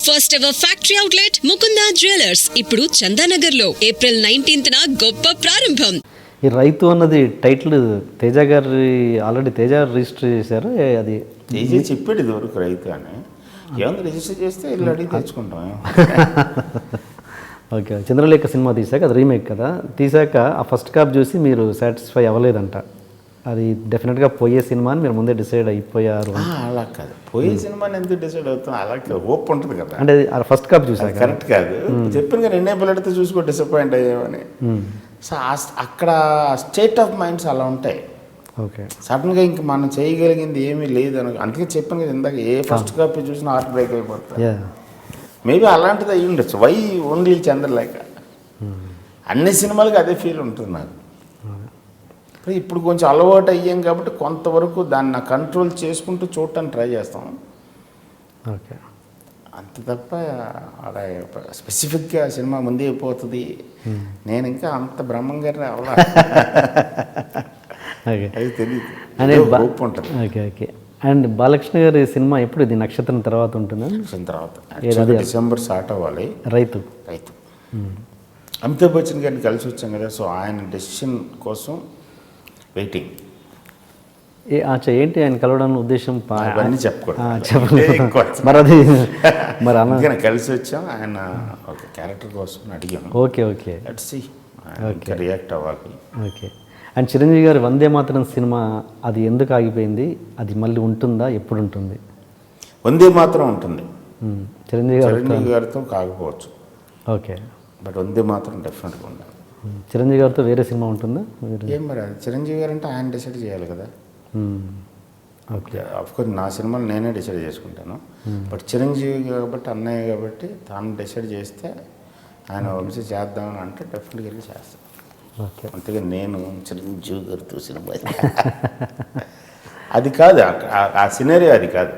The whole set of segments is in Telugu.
First ever factory outlet Mukunda jewellers ఇప్పుడు చందానగర్ లో April 19th గొప్ప ప్రారంభం. ఈ రైతు అన్నది టైటిల్ తేజ గారి ఆల్రెడీ తేజ రిజిస్టర్ చేశారు. అది తేజ చెప్పాడు ఇదివరకు రైతు అని. ఏమన్నా రిజిస్టర్ చేస్తే ఇల్లు అడిగి తెచ్చుకుంటాం. ఓకే, చంద్రలేఖ సినిమా తీసాక అది రీమేక్ కదా, తీసాక ఆ ఫస్ట్ కాప్ చూసి మీరు సాటిస్ఫై అవ్వలేదంట. అది డెఫినెట్గా పోయే సినిమా అని మీరు ముందే డిసైడ్ అయిపోయారు. అలా కాదు, పోయే సినిమాని ఎందుకు డిసైడ్ అవుతాం, అలా హోప్ ఉంటుంది కదా. అంటే ఫస్ట్ కాప్ చూసాక కరెక్ట్ కాదు, చెప్పిన కదా ఎన్నే పిల్లడితో చూసుకో డిసప్పాయింట్ అయ్యామని. సో అక్కడ స్టేట్ ఆఫ్ మైండ్స్ అలా ఉంటాయి. ఓకే, సడన్గా ఇంక మనం చేయగలిగింది ఏమీ లేదు అని అందుకే చెప్పాను కదా ఇందాక, ఏ ఫస్ట్ కాపీ చూసినా హార్ట్ బ్రేక్ అయిపోతుంది. మేబీ అలాంటిది అయ్యి ఉండొచ్చు. వై ఓన్లీ చంద్రలేఖ, అన్ని సినిమాలకి అదే ఫీల్ ఉంటుంది నాకు. ఇప్పుడు కొంచెం అలవాటు అయ్యాం కాబట్టి కొంతవరకు దాన్ని కంట్రోల్ చేసుకుంటూ చూడటానికి ట్రై చేస్తాం. ఓకే, అంత తప్ప అలా స్పెసిఫిక్గా సినిమా ముందే అయిపోతుంది నేను ఇంకా అంత బ్రహ్మంగారి అవలా అది తెలియదు అనే హోప్ ఉంటుంది. Okay okay. అండ్ బాలకృష్ణ గారి సినిమా ఎప్పుడు ఇది నక్షత్రం తర్వాత ఉంటుందా? నక్షత్రం తర్వాత డిసెంబర్ స్టార్ట్ అవ్వాలి. రైతు అమితాబ్ బచ్చన్ గారిని కలిసి వచ్చాం కదా, సో ఆయన డెసిషన్ కోసం వెయిటింగ్. ఏంటి ఆయన కలవడం ఉద్దేశం? అవన్నీ చెప్పకూడదు. మరి కలిసి వచ్చాం, ఆయన ఒక క్యారెక్టర్ కోసం అడిగాను. ఓకే ఓకే, రియాక్ట్ అవ్వాలి. ఓకే. అండ్ చిరంజీవి గారి వందే మాతరం సినిమా అది ఎందుకు ఆగిపోయింది? అది మళ్ళీ ఉంటుందా? ఎప్పుడు ఉంటుంది? వందే మాత్రం ఉంటుంది. చిరంజీవి గారితో కాకపోవచ్చు. ఓకే, బట్ వందే మాత్రం డెఫినెట్గా ఉండాలి. చిరంజీవి గారితో వేరే సినిమా ఉంటుందా? ఏం మరి చిరంజీవి గారు అంటే ఆయన డిసైడ్ చేయాలి కదా. ఓకే, అఫ్కోర్స్ నా సినిమాలు నేనే డిసైడ్ చేసుకుంటాను. బట్ చిరంజీవి కాబట్టి అన్నయ్య కాబట్టి తాను డిసైడ్ చేస్తే ఆయన వంశీ చేద్దామని అంటే డెఫినెట్గా వెళ్ళి చేస్తాను. అంతేగా నేను చిరంజీవి గారితో సినిమా అది కాదు, ఆ సినారియో అది కాదు.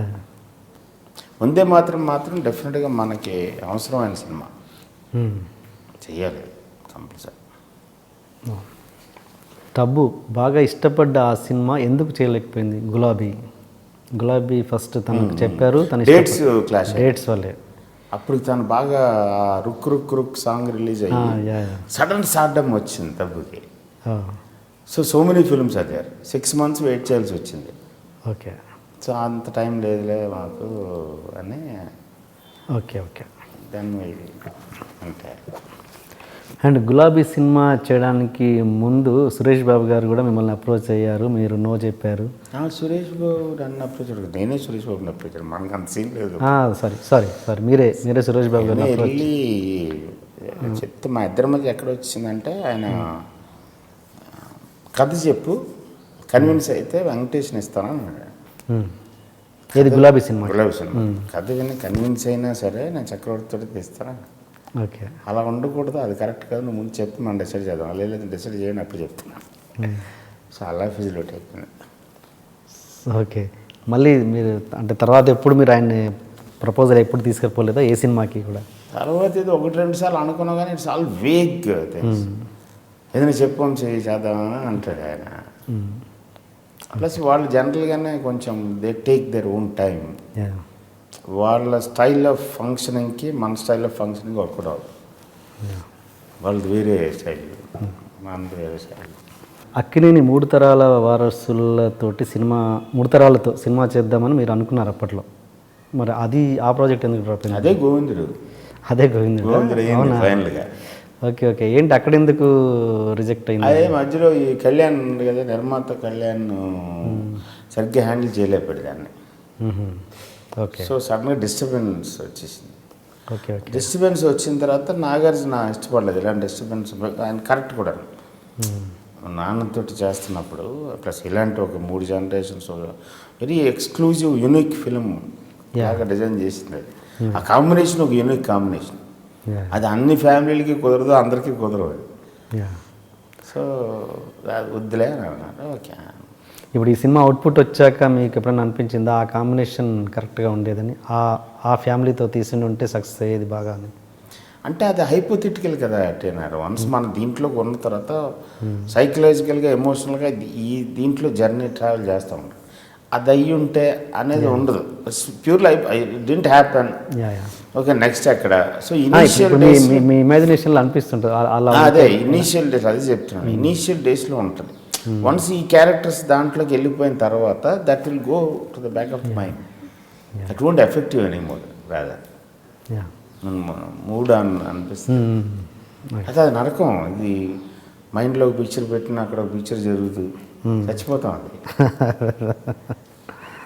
వందే మాత్రం డెఫినెట్గా మనకి అవసరమైన సినిమా చెయ్యాలి కంపల్సరీ. టబ్బు బాగా ఇష్టపడ్డ ఆ సినిమా ఎందుకు చేయలేకపోయింది? గులాబీ ఫస్ట్ తనకు చెప్పారు, తన డేట్స్ వల్లే. అప్పుడు తను బాగా రుక్ రుక్ రుక్ సాంగ్ రిలీజ్ అయ్యి సడన్ స్టార్డమ్ వచ్చింది టబ్బుకి. సో మెనీ ఫిల్మ్స్ అయ్యారు, 6 months వెయిట్ చేయాల్సి వచ్చింది. ఓకే, సో అంత టైం లేదులే మాకు అని. ఓకే ఓకే, దాన్ని అంటే. అండ్ గులాబీ సినిమా చేయడానికి ముందు సురేష్ బాబు గారు కూడా మిమ్మల్ని అప్రోచ్ అయ్యారు, మీరు నో చెప్పారు. సురేష్ బాబు నన్ను అప్రోచ్ అయ్యారు, నేనే సురేష్ బాబుని అప్రోచ్ అయ్యాను. మనకు అంత సీన్ లేదు. సారీ మీరే సురేష్ బాబు గారు వెళ్ళి చెప్తే మా ఇద్దరి మధ్య ఎక్కడ వచ్చిందంటే, ఆయన కథ చెప్పు కన్విన్స్ అయితే వెంకటేష్ని ఇస్తానని అన్నాడు. ఏది గులాబీ సినిమా కథ విని కన్విన్స్ అయినా సరే నేను చక్రవర్తితో తీస్తాను. ఓకే, అలా ఉండకూడదు, అది కరెక్ట్ కాదు, నువ్వు ముందు చెప్తే మనం డిసైడ్ చేద్దాం. లేదు డిసైడ్ చేయని అప్పుడు చెప్తున్నాను. సో అలా ఫిజిలిటీ అయిపోయింది. ఓకే, మళ్ళీ మీరు అంటే తర్వాత ఎప్పుడు మీరు ఆయన్ని ప్రపోజల్ ఎప్పుడు తీసుకెళ్ళిపోలేదా ఏ సినిమాకి కూడా? తర్వాత ఇది 1-2 సార్లు అనుకున్నావు కానీ ఇట్స్ ఆల్ వేగ్ థింగ్స్. ఏదైనా చెప్పాం చేద్దామని అంటాడు ఆయన. ప్లస్ వాళ్ళు జనరల్గానే కొంచెం they take their own time. వాళ్ళ స్టైల్ ఆఫ్ ఫంక్షనింగ్కి మన స్టైల్ ఆఫ్ ఫంక్షనింగ్ వర్కౌట్ అవుతుంది. వాళ్ళది వేరే స్టైల్, మనది వేరే స్టైల్. అక్కినేని 3 తరాల వారసులతోటి మూడు తరాలతో సినిమా చేద్దామని మీరు అనుకున్నారు అప్పట్లో. మరి అది ఆ ప్రాజెక్ట్ ఎందుకు డ్రాప్ అయింది? అదే గోవిందుడు ఫైనల్గా. ఓకే ఓకే, ఏంటి అక్కడ ఎందుకు రిజెక్ట్ అయింది? అదే మధ్యలో ఈ కళ్యాణ్ ఉంది కదా, నిర్మాత కళ్యాణ్ సరిగ్గా హ్యాండిల్ చేయలేకపోయాడు దాన్ని. ఓకే, సో సడన్గా డిస్టర్బెన్స్ వచ్చేసింది. ఓకే ఓకే, డిస్టర్బెన్స్ వచ్చిన తర్వాత నాగార్జున ఇష్టపడలేదు ఇలాంటి డిస్టర్బెన్స్. ఆయన కరెక్ట్ కూడా నాన్నతో చేస్తున్నప్పుడు ప్లస్ ఇలాంటి ఒక 3 generations very exclusive unique film బాగా డిజైన్ చేసింది. అది ఆ కాంబినేషన్ ఒక యూనిక్ కాంబినేషన్. అది అన్ని ఫ్యామిలీలకి కుదరదు, అందరికీ కుదరదు. సో వద్దులే అని అన్నారు. ఓకే, ఇప్పుడు ఈ సినిమా అవుట్పుట్ వచ్చాక మీకు ఎప్పుడైనా అనిపించిందా ఆ కాంబినేషన్ కరెక్ట్గా ఉండేదని? ఆ ఫ్యామిలీతో తీసుకుని ఉంటే సక్సెస్ అయ్యేది బాగా అని? అంటే అది హైపోథెటికల్ కదా అట్టేనారు. వన్స్ మన దీంట్లోకి ఉన్న తర్వాత సైకలాజికల్గా ఎమోషనల్గా దీంట్లో జర్నీ ట్రావెల్ చేస్తూ ఉంటాం. అది అయ్యి ఉంటే అనేది ఉండదు. Pure life didn't happen. Yeah yeah okay, next ఎక్కడ? సో ఇనీషియల్ ఇప్పుడు డేస్, మీ ఇమాజినేషన్లో అనిపిస్తుంటుంది అలా అదే ఇనీషియల్ డేస్, అది చెప్తున్నాను. ఇనీషియల్ డేస్లో ఉంటుంది. వన్స్ ఈ క్యారెక్టర్స్ దాంట్లోకి వెళ్ళిపోయిన తర్వాత that will go to the back of the mind. That won't effective any more rather yeah mood అనిపిస్తుంది. అయితే అది నరకం. ఇది మైండ్లో ఒక పిక్చర్ పెట్టిన అక్కడ ఒక పిక్చర్ జరుగుతుంది, చచ్చిపోతాం అది.